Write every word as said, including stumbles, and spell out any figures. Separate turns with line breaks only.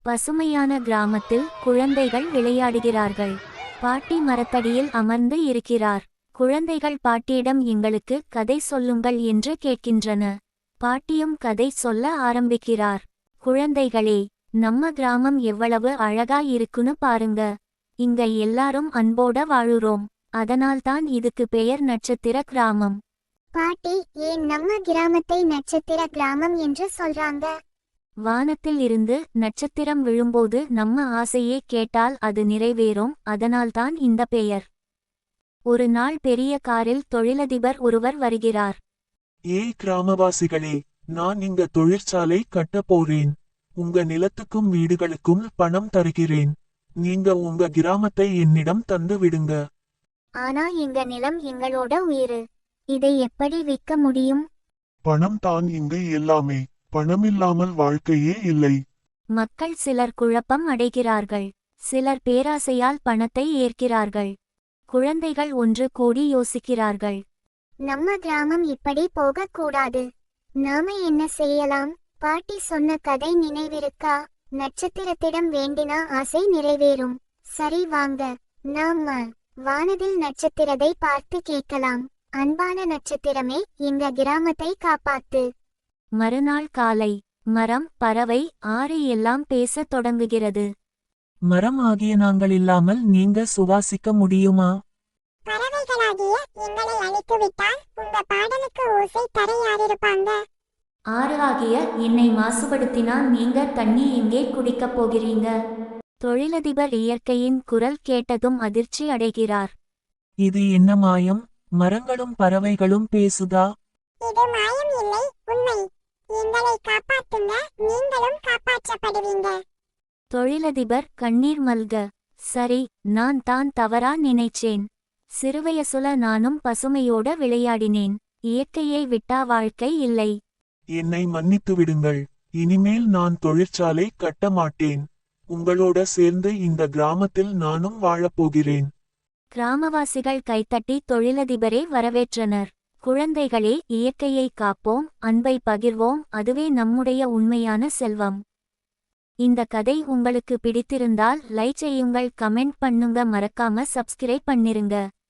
பசுமையான கிராமத்தில் குழந்தைகள் விளையாடுகிறார்கள். பாட்டி மரத்தடியில் அமர்ந்து இருக்கிறார். குழந்தைகள் பாட்டியிடம் எங்களுக்கு கதை சொல்லுங்கள் என்று கேட்கின்றன. பாட்டியும் கதை சொல்ல ஆரம்பிக்கிறார். குழந்தைகளே, நம்ம கிராமம் எவ்வளவு அழகா இருக்குன்னு பாருங்க. இங்க எல்லாரும் அன்போட வாழுறோம். அதனால்தான் இதுக்கு பெயர் நட்சத்திர கிராமம்.
பாட்டி, ஏன் நம்ம கிராமத்தை நட்சத்திர கிராமம் என்று சொல்றாங்க?
வானத்தில் இருந்து நட்சத்திரம் விழும்போது நம்ம ஆசையே கேட்டால் அது நிறைவேறும். அதனால்தான் இந்த பெயர். ஒரு நாள் பெரிய காரில் தொழிலதிபர் ஒருவர் வருகிறார்.
ஏய் கிராமவாசிகளே, நான் இங்க தொழிற்சாலை கட்ட போறேன். உங்க நிலத்துக்கும் வீடுகளுக்கும் பணம் தருகிறேன். நீங்க உங்க கிராமத்தை என்னிடம் தந்து விடுங்க.
ஆனா எங்க நிலம் எங்களோட உயிர். இதை எப்படி விற்க முடியும்?
பணம் தான் இங்கு எல்லாமே. பணமில்லாமல் வாழ்க்கையே இல்லை.
மக்கள் சிலர் குழப்பம் அடைகிறார்கள். சிலர் பேராசையால் பணத்தை ஏற்கிறார்கள். குழந்தைகள் ஒன்று கூடி யோசிக்கிறார்கள்.
நம்ம கிராமம் இப்படி போகக்கூடாது. நாம என்ன செய்யலாம்? பாட்டி சொன்ன கதை நினைவிருக்கா? நட்சத்திரத்திடம் வேண்டினா ஆசை நிறைவேறும். சரி, வாங்க நாம வானதில் நட்சத்திரத்தை பார்த்து கேட்கலாம். அன்பான நட்சத்திரமே, எங்க கிராமத்தை காப்பாத்து.
மறுநாள் காலை மரம், பறவை, ஆறு எல்லாம் பேசத் தொடங்குகிறது.
மரம் ஆகிய நாங்கள் இல்லாமல் நீங்க சுவாசிக்க முடியுமா?
பறவைகளாகிய எங்களை அழித்துவிட்டால் உங்க பாடலுக்கு ஓசை தர யாரிருப்பாங்க?
ஆறு ஆகிய என்னை மாசுபடுத்தினால் நீங்க தண்ணி எங்கே குடிக்கப் போகிறீங்க? தொழிலதிபர் இயற்கையின் குரல் கேட்டதும் அதிர்ச்சி அடைகிறார்.
இது என்ன மாயம்? மரங்களும் பறவைகளும் பேசுதா?
இது மாயம் இல்லை, உண்மை. எங்களை காப்பாத்துங்க, நீங்களும் காப்பாற்றப்படுவீங்க.
தொழிலதிபர் கண்ணீர் மல்க, சரி, நான் தான் தவறா நினைச்சேன். சிறுவயசுல நானும் பசுமையோட விளையாடினேன். இயற்கையை விட்டா வாழ்க்கை இல்லை.
என்னை மன்னித்து விடுங்கள். இனிமேல் நான் தொழிற்சாலை கட்ட மாட்டேன். உங்களோட சேர்ந்து இந்த கிராமத்தில் நானும் வாழப்போகிறேன்.
கிராமவாசிகள் கைத்தட்டி தொழிலதிபரை வரவேற்றனர். குழந்தைகளே, இயற்கையை காப்போம், அன்பை பகிர்வோம், அதுவே நம்முடைய உண்மையான செல்வம். இந்த கதை உங்களுக்கு பிடித்திருந்தால் லைக் செய்யுங்கள், கமெண்ட் பண்ணுங்க, மறக்காம சப்ஸ்கிரைப் பண்ணிருங்க.